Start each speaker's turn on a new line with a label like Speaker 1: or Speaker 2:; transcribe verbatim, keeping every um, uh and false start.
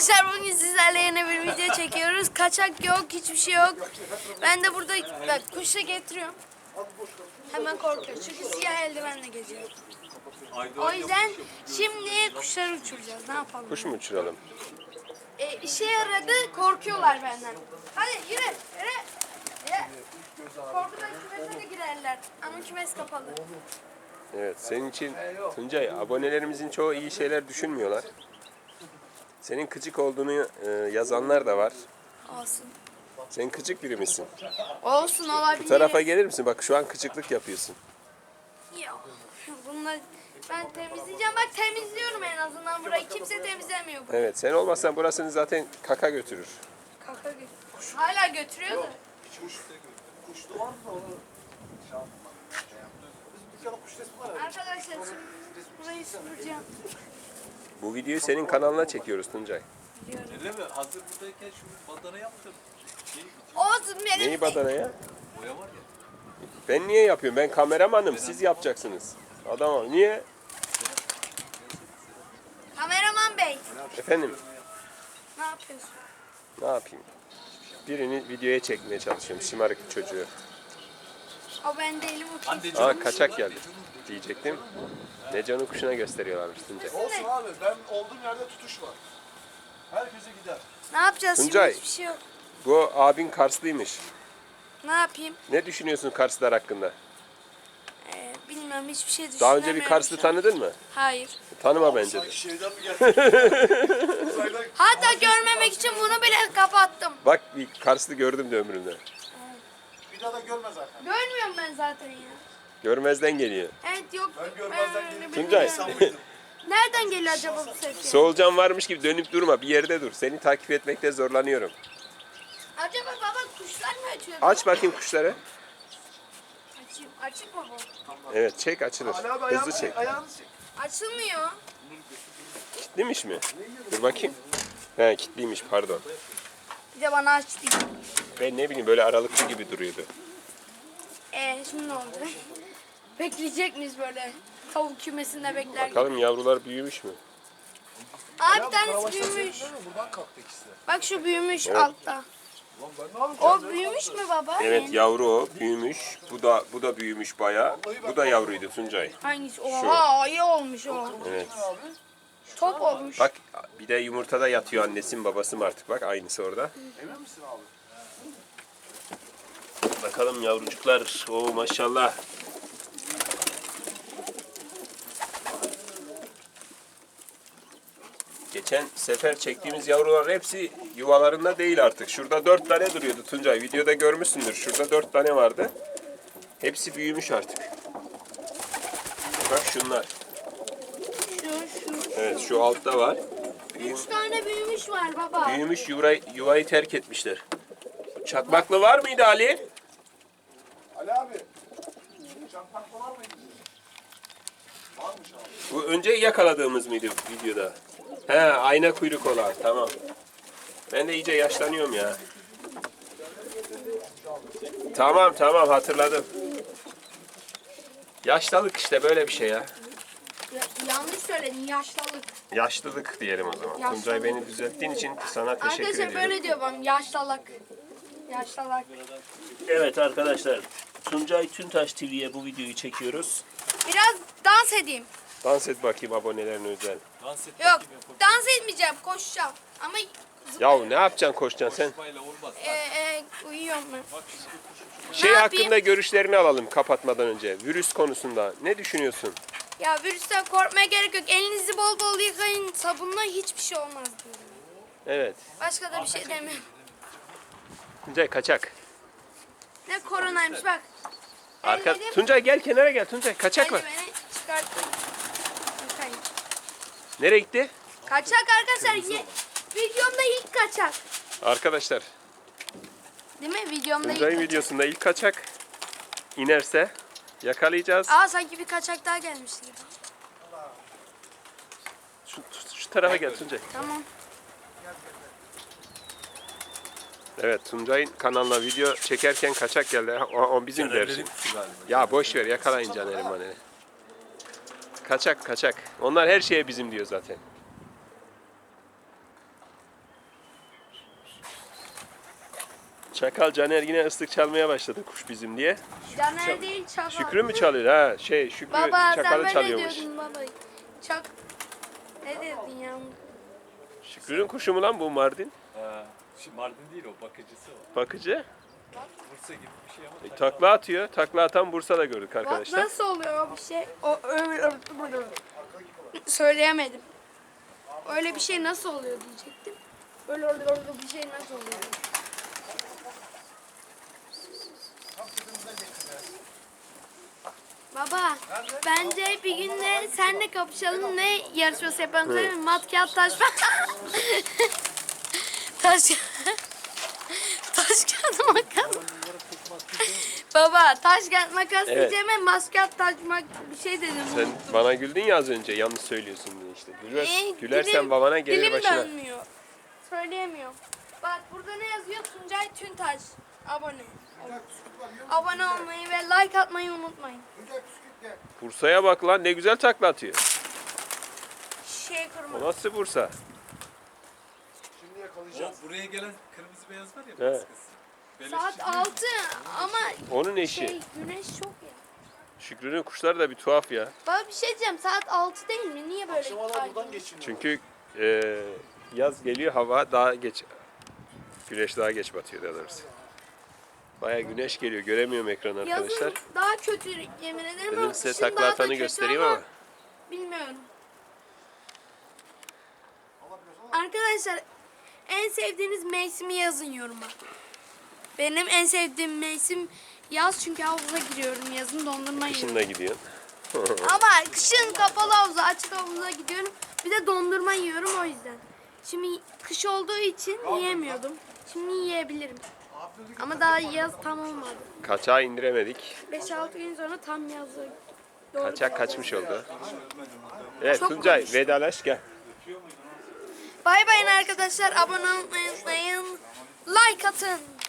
Speaker 1: Arkadaşlar bugün sizlerle yeni bir video çekiyoruz. Kaçak yok, hiçbir şey yok. Ben de burada bak kuşla getiriyorum. Hemen korkuyor çünkü siyah eldivenle geziyor. O yüzden şimdi kuşları uçuracağız. Ne yapalım?
Speaker 2: Kuş mu uçuralım?
Speaker 1: E, işe yaradı, korkuyorlar benden. Hadi yürü, yürü. Yürü. Korkudan kümese de girerler. Ama kümes kapalı.
Speaker 2: Evet, senin için Tuncay, abonelerimizin çoğu iyi şeyler düşünmüyorlar. Senin kıcık olduğunu e, yazanlar da var.
Speaker 1: Olsun.
Speaker 2: Sen kıcık biri misin?
Speaker 1: Olsun olabilir.
Speaker 2: Bu tarafa gelir misin? Bak şu an kıcıklık yapıyorsun.
Speaker 1: Yok. Bunlar ben temizleyeceğim. Bak temizliyorum en azından burayı. Kimse temizlemiyor burayı.
Speaker 2: Evet, sen olmazsan burasını zaten kaka götürür.
Speaker 1: Kaka götürüyor. Hala götürüyor da.
Speaker 3: Kuşlu var mı da onu şey yapma. Biz bir kere kuş resmi var ya.
Speaker 1: Arkadaşlar şimdi burayı süpüreceğim.
Speaker 2: Bu videoyu senin kanalına çekiyoruz Tuncay.
Speaker 4: Öyle mi? Hazır buradayken şu bandana yaptım. Şey,
Speaker 1: Olsun benim.
Speaker 2: Neyi badana ya?
Speaker 4: boya var ya.
Speaker 2: Ben niye yapıyorum? Ben kameramanım, siz yapacaksınız. Adamım, niye?
Speaker 1: Kameraman bey.
Speaker 2: Efendim,
Speaker 1: Ne yapıyorsun?
Speaker 2: ne yapayım? Birini videoya çekmeye çalışıyorum, şımarık çocuğu.
Speaker 1: O ben değilim o kim?
Speaker 4: Hande
Speaker 2: Aa, kaçak geldi diyecektim. Necan'ın kuşuna gösteriyorlarmış Tuncay.
Speaker 3: Olsun abi, ben olduğum yerde tutuş var. Herkese gider.
Speaker 1: Ne yapacağız
Speaker 2: Tuncay.
Speaker 1: şimdi? Hiçbir şey yok.
Speaker 2: Bu abin Karslıymış.
Speaker 1: Ne yapayım?
Speaker 2: Ne düşünüyorsun Karslılar hakkında?
Speaker 1: Ee, bilmiyorum hiçbir şey düşünemiyorum.
Speaker 2: Daha önce bir Karslı
Speaker 1: şu an.
Speaker 2: tanıdın mı?
Speaker 1: Hayır.
Speaker 2: Tanıma bence de.
Speaker 3: Sanki şeyden mi geldi? Uzaydan
Speaker 1: Hatta görmemek için bunu bile kapattım.
Speaker 2: Bak bir Karslı gördüm de ömrümde.
Speaker 3: bir daha da görmez zaten.
Speaker 1: Görmüyorum ben zaten ya.
Speaker 2: Görmezden geliyor.
Speaker 1: Evet yok.
Speaker 3: Ben görmezden
Speaker 1: öyle
Speaker 3: gelip
Speaker 1: bir-
Speaker 2: Tuncay.
Speaker 3: insan mıydım?
Speaker 1: Nereden geliyor acaba bu ses? ya?
Speaker 2: Soğulcan varmış gibi dönüp durma. Bir yerde dur. Seni takip etmekte zorlanıyorum.
Speaker 1: Acaba baba kuşlar mı ötüyor?
Speaker 2: Aç bakayım kuşları.
Speaker 1: Açayım. Açık mı bu?
Speaker 2: Evet, çek açılır.
Speaker 3: Ali abi
Speaker 2: Hızlı
Speaker 3: ayağını
Speaker 2: çek.
Speaker 3: çek. Ayağını çek.
Speaker 1: Açılmıyor.
Speaker 2: Kilitliymiş mi? Dur bakayım. He, kilitliymiş, pardon.
Speaker 1: Bir de bana aç değil.
Speaker 2: Ben ne bileyim, böyle aralıklı gibi duruyordu.
Speaker 1: Ee şimdi ne oldu? Bekleyecek miyiz böyle? Tavuk kümesinde bekler gibi.
Speaker 2: Bakalım yavrular büyümüş mü?
Speaker 1: Aa
Speaker 3: Ya
Speaker 1: bir
Speaker 3: bu
Speaker 1: tanesi
Speaker 3: karabaşlar
Speaker 1: büyümüş.
Speaker 3: seyretmiyor mu? Buradan kalktı ikisi de.
Speaker 1: Bak şu büyümüş altta.
Speaker 3: Lan ben ne yapacağım?
Speaker 1: O büyümüş mü baba?
Speaker 2: Evet,
Speaker 1: Yani
Speaker 2: yavru o, büyümüş. Bu da bu da büyümüş bayağı. Bu da yavruydu Tuncay.
Speaker 1: hangisi? Oha iyi olmuş o.
Speaker 2: Evet.
Speaker 3: Abi.
Speaker 1: Top olmuş.
Speaker 2: Bak bir de yumurtada yatıyor annesi mi babası mı artık, bak aynısı orada.
Speaker 3: Emin misin abi?
Speaker 2: Bakalım yavrucuklar. Oo maşallah. Geçen sefer çektiğimiz yavrular hepsi yuvalarında değil artık. Şurada dört tane duruyordu Tuncay. Videoda görmüşsündür. Şurada dört tane vardı. Hepsi büyümüş artık. Bak şunlar.
Speaker 1: Şu şu.
Speaker 2: Evet, şu altta var. Büyüm-
Speaker 1: Üç tane büyümüş var baba.
Speaker 2: büyümüş yuvayı, yuvayı terk etmişler. Çakmaklı var mıydı Ali?
Speaker 3: Ali abi. Çakmak var mıydı? Varmış abi.
Speaker 2: Bu önce yakaladığımız mıydı videoda? He, ayna kuyruk olan. Tamam. Ben de iyice yaşlanıyorum ya. Tamam tamam, hatırladım. Yaşlılık işte, böyle bir şey ya.
Speaker 1: Ya- yanlış söyledin yaşlılık.
Speaker 2: Yaşlılık diyelim o zaman.
Speaker 1: Yaşlılık.
Speaker 2: Tuncay, beni düzelttiğin için sana teşekkür
Speaker 1: Arkadaşlar
Speaker 2: ediyorum.
Speaker 1: böyle diyor bana yaşlılık. Yaşlılık.
Speaker 2: Evet arkadaşlar, Tuncay Tüntaş T V'ye bu videoyu çekiyoruz.
Speaker 1: Biraz dans edeyim.
Speaker 2: Dans et bakayım abonelerin özel.
Speaker 4: Dans et
Speaker 1: Yok
Speaker 4: bakayım yapalım.
Speaker 1: dans etmeyeceğim koşacağım. Ama
Speaker 2: Ya ne yapacaksın, koşacaksın sen?
Speaker 4: Kafayla olmaz.
Speaker 1: e, e, uyuyorum ben.
Speaker 2: Şey
Speaker 1: Ne
Speaker 2: hakkında
Speaker 1: yapayım?
Speaker 2: görüşlerini alalım kapatmadan önce. Virüs konusunda ne düşünüyorsun?
Speaker 1: Ya virüsten korkmaya gerek yok. Elinizi bol bol yıkayın. Sabunla hiçbir şey olmaz diyorum.
Speaker 2: Evet.
Speaker 1: Başka da bir şey demiyorum.
Speaker 2: Tuncay kaçak.
Speaker 1: Ne koronaymış bak.
Speaker 2: Arka...
Speaker 1: Ellerim-
Speaker 2: Tuncay gel kenara gel Tuncay. Kaçak var.
Speaker 1: Eldiveni çıkarttım. Yıkayın.
Speaker 2: Nereye gitti?
Speaker 1: Kaçak arkadaşlar. Ye- videomda ilk kaçak.
Speaker 2: Arkadaşlar
Speaker 1: Değil mi? Videomda ilk
Speaker 2: Tuncay'ın
Speaker 1: kaçak.
Speaker 2: videosunda ilk kaçak inerse yakalayacağız.
Speaker 1: Aa sanki bir kaçak daha gelmişti gibi.
Speaker 2: Şu, şu tarafa gel Tuncay.
Speaker 1: Tamam.
Speaker 2: Evet, Tuncay'ın kanalına video çekerken kaçak geldi. O, o bizim dersi. Ya boş ver, yakalayın Caner'i maneri. Kaçak kaçak. Onlar her şeye bizim diyor zaten. Çakal Caner yine ıslık çalmaya başladı kuş bizim diye.
Speaker 1: Caner değil çakal.
Speaker 2: Şükrü mü çalıyor? Ha şey Şükrü
Speaker 1: Baba sen
Speaker 2: çakalı
Speaker 1: böyle
Speaker 2: çalıyormuş.
Speaker 1: diyordun baba. Çak. Ne dedin ya?
Speaker 2: Şükrü'nün kuşu mu lan bu Mardin?
Speaker 4: Ha, şimdi Mardin değil o, bakıcısı o.
Speaker 2: Bakıcı.
Speaker 4: Bursa gibi bir şey ama.
Speaker 2: E, takla atıyor. Takla atan Bursa'da gördük
Speaker 1: Bak
Speaker 2: arkadaşlar.
Speaker 1: nasıl oluyor o bir şey? O öyle söyleyemedim. Öyle bir şey nasıl oluyor diyecektim. Öyle öyle öyle bir şey nasıl oluyor? Baba, bence bir gün de senle kapışalım. Ne yarışması yapalım söyleyeyim mi? Mat, kağıt, taş. Taş. Taş, kağıt, makas. Baba, taş, kağıt, makas
Speaker 2: Evet.
Speaker 1: diyeceğime maskat, taş, mak bir şey dedim.
Speaker 2: Sen bana güldün ya az önce yanlış söylüyorsun diye işte. Güler,
Speaker 1: Ee,
Speaker 2: gülersen
Speaker 1: dilim-
Speaker 2: babana gelir
Speaker 1: dilim
Speaker 2: başına.
Speaker 1: dönmüyor. Söyleyemiyorum. Bak burada ne yazıyor? Tuncay Tüntaş. Abone. Abone olmayı ve like atmayı unutmayın.
Speaker 2: Bursa'ya bak lan ne güzel takla atıyor.
Speaker 1: Şey kırma.
Speaker 2: O nasıl Bursa?
Speaker 3: Şimdi
Speaker 4: O
Speaker 3: yakalayacağız.
Speaker 4: buraya gelen kırmızı beyaz var ya,
Speaker 2: Evet.
Speaker 4: baskısı. Beleşçi
Speaker 1: Saat
Speaker 4: değil mi?
Speaker 1: altı ama
Speaker 2: Onun eşi.
Speaker 1: şey güneş çok ya.
Speaker 2: Şükrü'nün kuşları da bir tuhaf ya.
Speaker 1: Baba bir şey diyeceğim. Saat altı değil mi? Niye böyle?
Speaker 3: Akşamalar buradan
Speaker 1: aydınlık?
Speaker 3: geçiniyor.
Speaker 2: Çünkü e, yaz geliyor hava daha geç. Güneş daha geç batıyor daha doğrusu. Baya güneş geliyor. Göremiyorum ekranı arkadaşlar.
Speaker 1: Yazın daha kötü yemin ederim.
Speaker 2: Dedim
Speaker 1: ama
Speaker 2: size
Speaker 1: kışın
Speaker 2: takla
Speaker 1: daha da
Speaker 2: atanı
Speaker 1: kötü
Speaker 2: göstereyim ama.
Speaker 1: Bilmiyorum.
Speaker 3: Alabiliyorsan al.
Speaker 1: Arkadaşlar en sevdiğiniz mevsimi yazın yoruma. Benim en sevdiğim mevsim yaz çünkü havuza giriyorum yazın dondurma yiyorum.
Speaker 2: Kışın da gidiyorsun.
Speaker 1: Ama kışın kapalı havuza açık havuza gidiyorum. Bir de dondurma yiyorum o yüzden. Şimdi kış olduğu için yiyemiyordum. Şimdi yiyebilirim. Ama daha yaz tam olmadı.
Speaker 2: Kaçağı indiremedik.
Speaker 1: beş altı gün sonra tam yazı. Doğru.
Speaker 2: Kaçak kaçmış oldu. Evet
Speaker 1: Çok
Speaker 2: Tuncay
Speaker 1: konuştum.
Speaker 2: vedalaş gel.
Speaker 1: Bay bayın arkadaşlar. Abone olmayı unutmayın. Like atın.